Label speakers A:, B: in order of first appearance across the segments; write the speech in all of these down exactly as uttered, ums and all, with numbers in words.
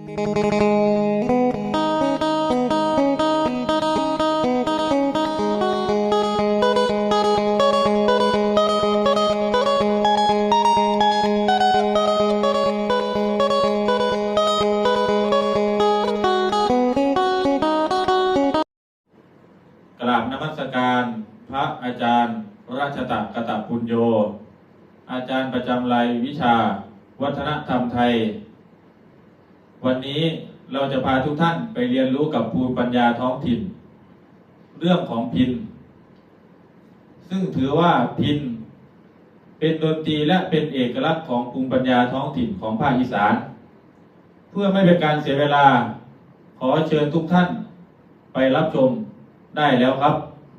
A: กราบนมัสการพระอาจารย์ราชตะกตปุญโญอาจารย์ประจำรายวิชาวัฒนธรรมไทยวันนี้เราจะพาทุกท่านไปเรียนรู้กับภูมิปัญญาท้องถิ่นเรื่องของพิณซึ่งถือว่าพิณเป็นดนตรีและเป็นเอกลักษณ์ของภูมิปัญญาท้องถิ่นของภาคอีสานเพื่อไม่เป็นการเสียเวลาขอเชิญทุกท่านไปรับชมได้แล้วครับ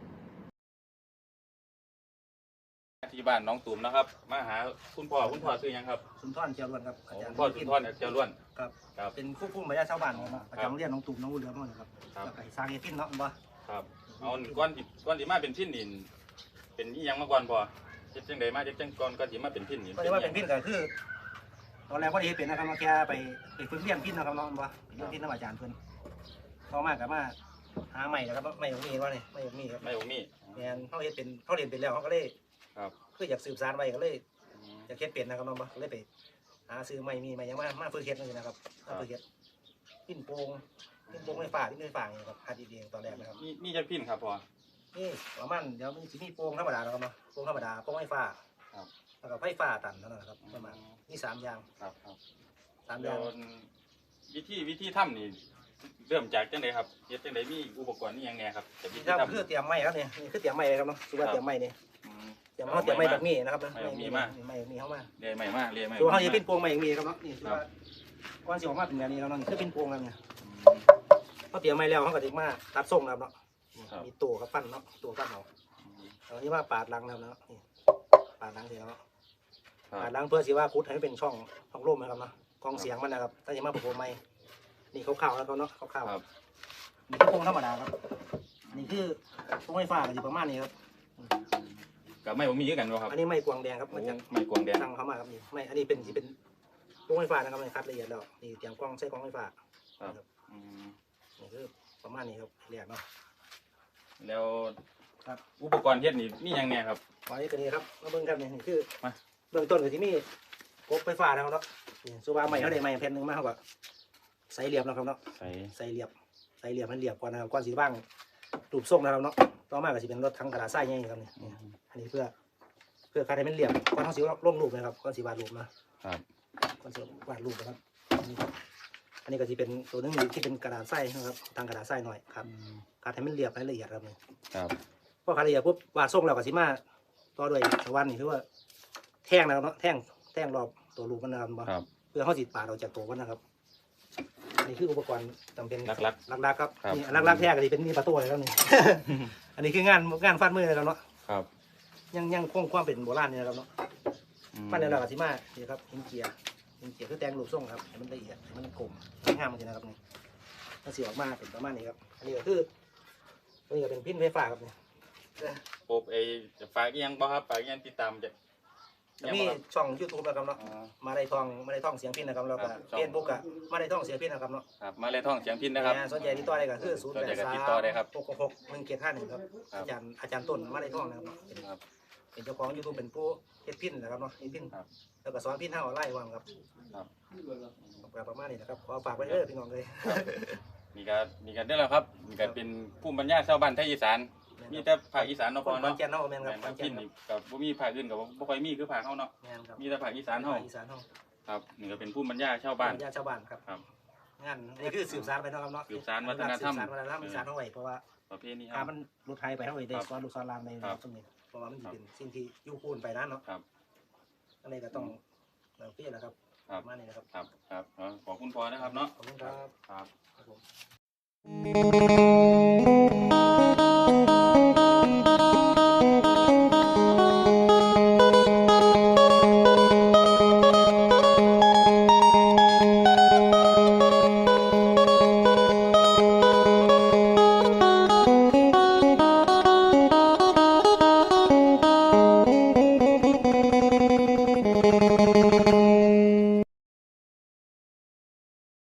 A: ที่บ้านน้องตุ่มนะครับมาหาคุณพ่อคุณพ่อซื้อยังครับ
B: สุนทรเจียวล้วนครับอาจารย์
A: คุณพ่อสุนทรเจียวล้วน
B: ครับครับเป็นผู้ผู้บรรยายชาวบ้านครับอาจารย์เรียนน้องตุ่มน้องวุ้นเหลือมาครับแล้วก็สร้างเอฟินเนาะบ่
A: ครับเอาก้อนก้อนที่มาเป็นพิณนี่เป็นยี่ยังมาก่อนพอเจ็ดจังใดมาเจ็ดจังก่อนก้อนที่มาเป็นพิณนี่
B: ก็จะว่าเป็นพิณก็คือตอนแรกก็ได้เป็นนะครับมาแค่ไปไปฝึกเรียนพิณนะครับน้องบ่เรียนพิณน้ำอาจารย์เพิ่นต่อมากับมาหาใหม่นะครับไม่มีว่าเนี่ยไม่มีครับ
A: ไม่มี
B: แมนเขาเรียนเป็นเขาเรียนเป็นแล้วเขาก็เลย
A: ครับ
B: คืออยากสืบสานไว้ก็เลยอยากเฮ็ดเป็นนะครับน้องบ่เลยไปหาซื้อไม่มีไม่ยังมามาฝึกเฮ็ดนี่นะครับมาฝึกเฮ็ดพิณโป่งพิณโป่งไม่ฝ่าพิณไม่ฝ่านี่ครับหัดเองตอนแรกนะครับ
A: มีมีจะพิณครับพอ
B: นี่ประมาณเดี๋ยวมันจะมีโป่งธรรมดานะครับเนาะโป่งธรรมดาโป่งไฟฟ้า
A: ครับ
B: แล้วก็ไฟฟ้าตันนั่นแหละครับประมาณนี่สามอย่าง
A: ครับครับ
B: สามอย่าง
A: วิธีวิธีทำนี่เริ่มจากจังไดครับเฮ็ดจังไดมีอุปกรณ์นี่ยังไงครับ
B: แต่วิธีทำคือเตรียมไม้ครับนี่นี่คือเตรียมไม้เลยครับเนาะคือว่าเตรียมไม้นี่เตรียมเขาเตรียมไม้แบบนี้นะครับ
A: ไม้มีมาก
B: ไม้มีเข้ามา
A: เรียไม้มากเรียไม้
B: ตัวเขาจะเป็นโป่งไม้อย่างนี้ครับเนาะนี่คือว่าก้อนสีออกมาเป็นแบบนี้ครับเนาะนี่คือเป็นโป่งครับเนี่ยเขาเตรียมไม้แล้วเขาก็จะมาตัดทรงครับเนาะมีตัวกับฟันเนาะตัวฟันเอาเอาที่ว่าปาดรังนะครับเนาะนี่ปาดรังเสร็จแล้วปาดรังเพื่อสิว่าคุดให้เป็นช่องช่องร่มนะครับเนาะกองเสียงมันนะครับถ้าจะมาประโคมไม้นี่ขาวๆแล้วก็เนาะขาวๆนี่คือโป่งธรรมดาครับนี่คือโป่งไฟฟ้าอยู่ประมาณนี้ครับ
A: กับไม้ผมมีเยอะกันครับ
B: อันนี้ไม้กวางแดงครับมันจะ
A: ไม้กวางแดง
B: ตั้งเข้ามาครับนี่ไม้อันนี้เป็นที่เป็นโป่งไฟฟ้านะครับมันคัดละเอียดแล้วนี่เตรียมกล้องใช้กล้องไฟฟ้า
A: ครับ
B: นี่คือประมาณนี้ครับเรียกเนาะ
A: แล้วอุปกรณ์เฮ็ดนี่มียังไงครับ
B: ไว้กันนี้ครับมาเบิ่งกันนี่นี่คือเบื้องต้นก็ที่มีกบไฟฟ้านะครับเนาะนี่สุภาพใหม่เขาได้ใหม่แผ่นหนึ่งมาเขาก็ใส่เหลี่ยมนะครับเนาะใส่ใส่เหลี่ยมใส่เหลี่ยมให้เหลี่ยมก่อนนะครับก่อนสีบ้างรูปทรงนะครับเนาะต่อมาก็จะเป็นรถทั้งกระดาษทรายนี่ครับนี่อันนี้เพื่อเพื่อการให้มันเหลี่ยมก่อนเขาสีลงรูปนะครับก่อนสีวาดรูปนะครับก่อนสีวาดรูปนะครับอันนี้ก็จะเป็นตัวนึงที่เป็นกระดาษทรายนะครับทางกระดาษทรายหน่อยครับการให้มันเหลี่ยมให้ละเอียดครับนี่
A: ครับ
B: พอการละเอียดปุ๊บวาดทรงแล้วก็สีมาต่อด้วยสวรรค์นี่คือว่าแท่งนะครับเนาะแท่งแท่งรอบตัวรูปมันนะครับเพื่อเขาสีปาดออกจากตัวมันนะครับนี่คืออุปกรณ์จำเป็น
A: หลักหลัก
B: หลักๆครับนี่หลักๆแท้ก็ที่เป็นมีประตูเลยครับนี่ อันนี้คืองานงานฟาดมือเลยครับเนาะ
A: ครับ
B: ยังยังคงความเป็นโบราณนี่นะครับเนาะฟาดในเรากับที่มานี่ครับหินเกียร์หินเกียร์คือแตงรูปทรงครับให้มันละเอียดให้มันกลมงามจริงนะครับนี่ถ้าสีออกมาเป็นประมาณนี้ครับอันนี้ก็คืออันนี้ก็เป็นพิณไฟฟ้าครับนี่
A: โอบไอ้ฝากยังบ่ครับฝากยังติดตามจะ
B: มีช่องยูทูบนะครับเนาะมาได้ทองมาได้ทองเสียงพิณนะครับแล้วก็เฟซบุ๊กอะมาได้ทองเสียงพิณนะครับเนาะ
A: ครับมาได้ทองเสียงพิณนะครับ
B: สนใจติดต่อได้ก็คือศูนย์แปดสามหกหกหนึ่งเจ็ดห้าหนึ่งครับอาจารย์อาจารย์ต้นมาได้ทองนะครับเป็นเจ้าของยูทูบเป็นผู้เฮ็ดพิณนะครับเนาะเฮ็ดพิณแล้วก็สอนพิณทางออนไลน์ว่างครับครับประมาณนี้นะครับขอฝากไว้เด้อพี่น้องเลย
A: มีการมีการได้แล้วครับมีการเป็นภูมิปัญญาชาวบ้านไทยอีสานมีแต่ภาคอีสานเนาะพอเนาะ
B: เจ้าเนาะแม่นครับ
A: พิณนี่กับบ่มีภาคอื่นกับบ่ค่อยมีคือภาคเฮาเนาะมีแต่ภาคอีสานเฮา
B: อีสานเฮา
A: ครับนี่ก็เป็นภูมิปัญญาชาวบ้าน
B: ปัญญาชาวบ้านครับครับงานนี่คือสืบสานไปเนาะครับเนาะ
A: สืบสานวัฒนธรรม
B: สืบสานวัฒนธรรมอีสานเฮาไว้เพราะว่า
A: ประเพณี
B: เฮามันรถไทยไปเฮาไว้ได้สอนลูกสอนหลานในตรงนี้เพราะว่ามันสิเป็นสิ่งที่อยู่คู่ไปนั้นเนาะ
A: ครับ
B: อันนี้ก็ต้องเราเพี้ยนะครับประมาณนี้นะครับ
A: ครับครับขอบคุณพ่อนะครับเนาะ
B: ขอบคุณครับ
A: ครับ